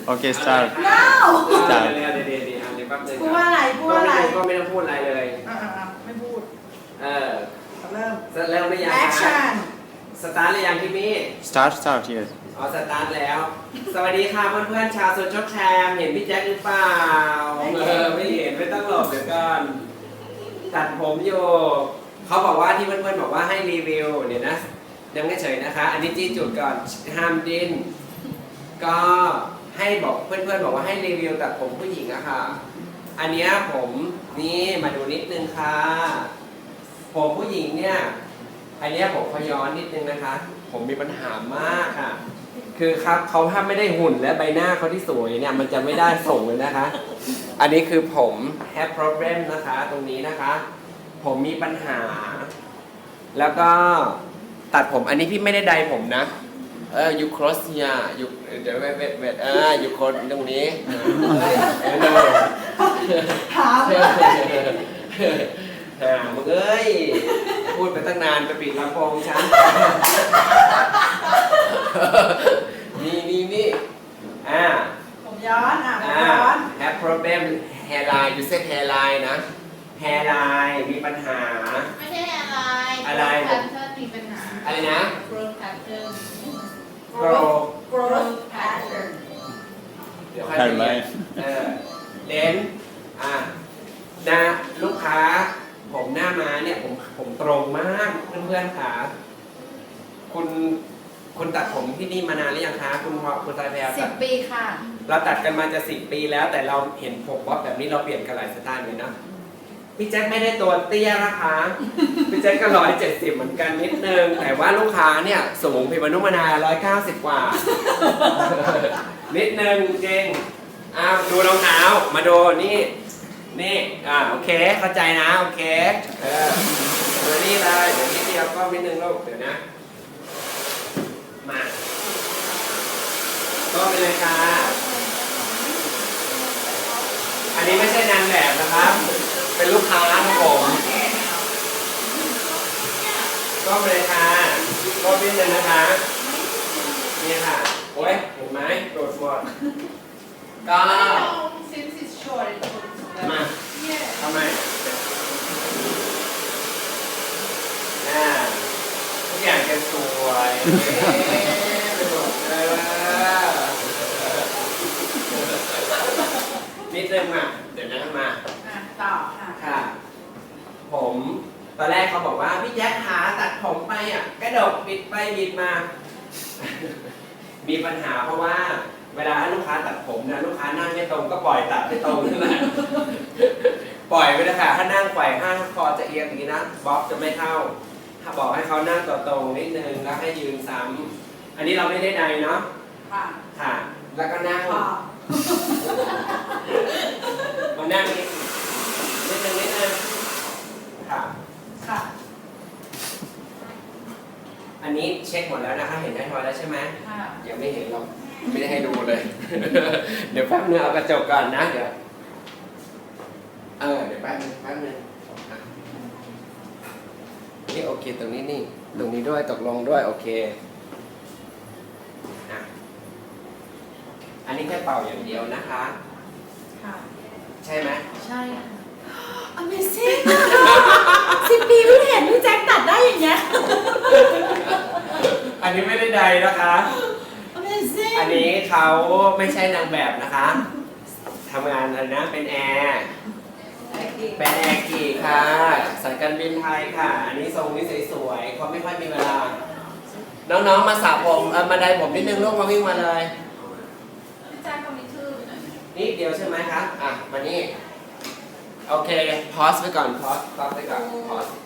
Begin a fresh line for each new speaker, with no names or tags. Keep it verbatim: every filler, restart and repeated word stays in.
โอเค start
no
เดี๋ยวเดี๋ยวเดี๋ยวเดี๋ยวเดี๋ยวเดี๋ยวแป๊บนึง
พูดว่าอะไรพูดว่าอะไร
ก็ไม่ต้องพูดอะไรเลย
อ่าไม่พูด
เออ
เริ่ม
เริ่มหรือยัง
action
สตาร์ทหรือยังพี่มี่
start start yes
อ๋อสตาร์ทแล้ว สวัสดีค่ะเพื่อนๆชาวโซเชียลแคมเห็นพี่แจ็คหรือเปล่าเออไม่เห็นไม่ต้องหลบเดี๋ยวก่อนตัดผมอยู่เขาบอกว่าที่เพื่อนๆบอกว่าให้รีวิวเดี๋ยวนะยังไม่เฉยนะคะ อันนี้จี้จุดก่อนห้ามดิ้นก็ให้บอกเพื่อนๆบอกว่าให้รีวิวตัดผมผู้หญิงอะค่ะอันเนี้ยผมนี่มาดูนิดนึงค่ะผมผู้หญิงเนี่ยอันเนี้ยผมขอย้อนนิดนึงนะคะผมมีปัญหามากค่ะคือครับเขาถ้าไม่ได้หุ่นและใบหน้าเขาที่สวยเนี่ยมันจะไม่ได้ส่งเลยนะคะ อันนี้คือผม have problem นะคะตรงนี้นะคะ ผมมีปัญหา แล้วก็ตัดผมอันนี้พี่ไม่ได้ใดผมนะเออ you cross here you เดี๋ยวเวทเวทเวทเออ you cross ตรงนี้
ถามเลย
หามึงเอ้ยพูดไปตั้งนานไปปิดลำโพงฉันนี่นี่นี่อ่า
ผมย้อนอ่ะผม
อ่า
ย้อน
have problem hairline you said hairline นะ hairline มีปัญหา
ไม่ใช่อะไร
อะไร
แพทเทิร์นมีปัญหา
อะไรนะ
growth pattern
grow
growth pattern
เดี๋ยวค่อยไปเรียนเออเดนอ่ะนะลูกค้าผมหน้าม้าเนี่ยผมผมตรงมากเพื่อนๆค่ะคุณคุณตัดผมที่นี่มานานหรือยังคะคุณพอคุณสายแพร
สิ
ตั
บ
ด
ปีค่ะ
เราตัดกันมาจะสิบปีแล้วแต่เราเห็นผมบ๊อบแบบนี้เราเปลี่ยนกันหลายสไตล์เลยนะพี่แจ็คไม่ได้ตัวเตี้ยนะคะพี่แจ็คก็ร้อยเจ็ดสิบเหมือนกันนิดนึงแต่ว่าลูกค้าเนี่ยสูงพิมพ์นุมานาร้อยเก้าสิบกว่า นิดนึงจริงอ้าวดูรองเท้ามาดูนี่นี่อ่าโอเคเข้าใจนะโอเคเออเดี๋ยวนี่เลยเดี๋ยวนิดเดียวก็นิดนึงลูกเดี๋ยวนะมาก็ไปเลยค่ะอันนี้ไม่ใช่นางแบบนะครับเป็นลูกค้าครับผมก็ไปเลยค่ะก็นิดนึงนะคะนี่ค่ะโอ้ยเห็นไหมโดดหมดก็
since it's short it looks
มา
yeah
ทำไมอ่าทุกอย่างจะสวยไปหมดเลยนิดนึงอ่ะเดี๋ยวนะมา
อ่ะต่อค่ะ
ค่ะ ผมตอนแรกเขาบอกว่าพี่แจ๊คหาตัดผมไปอ่ะกระดกบิดไปบิดมา มีปัญหาเพราะว่าเวลาให้ลูกค้าตัดผมนะลูกค้านั่งไม่ตรงก็ปล่อยตัดไม่ตรงนั่นแหละ ปล่อยไปเลยค่ะถ้านั่งไขว่ห้างคอจะเอียงอย่างนี้นะบ๊อบจะไม่เข้าถ้าบอกให้เขานั่งตัวตรงนิดนึงแล้วให้ยืนซ้ำอันนี้เราไม่ได้ใดเนาะ
ค่ะ
ค่ะ แล้วก็นั่ง
ขอบ
มานั่งนิดนิดนึงนิดนึงค่ะ
ค่ะ
อันนี้เช็คหมดแล้วนะคะเห็นได้ทอยแล้วใช่ไหม
ค่ะ
ยังไม่เห็นหรอกไม่ได้ให้ดูเลย เดี๋ยวแป๊บนึงเอากระจกก่อนนะเดี๋ยวเออเดี๋ยวแป๊บนึงแป๊บนึงอ่ะนี่โอเคตรงนี้นี่ตรงนี้ด้วยตกลงด้วยโอเคอ่ะอันนี้แค่เป่าอย่างเดียวนะคะ
ค่ะ
ใช่ไหม
ใช่ค่ะ
Amazing สิบปีเพิ่งเห็นพี่แจ็คตัดได้อย่างเงี้ย
อันนี้ไม่ได้ใดนะคะ
Amazing
อันนี้เขาไม่ใช่นางแบบนะคะทำงานอะไรนะเป็นแอร์เป็นแอร์กี่ค่ะสายการบินไทยค่ะ อันนี้ทรงนี้สวยๆเขาไม่ค่อยมีเวลา น้องๆมาสระผมเออมาไดผมนิดนึงลูกมาวิ่งมาเลย
พี่แจ๊คคนนี้ชื่อ
นิดเดียวใช่ไหมคะอ่ะมานี่โอเคพอสไปก่อนพอสพอสไปก่อนพอส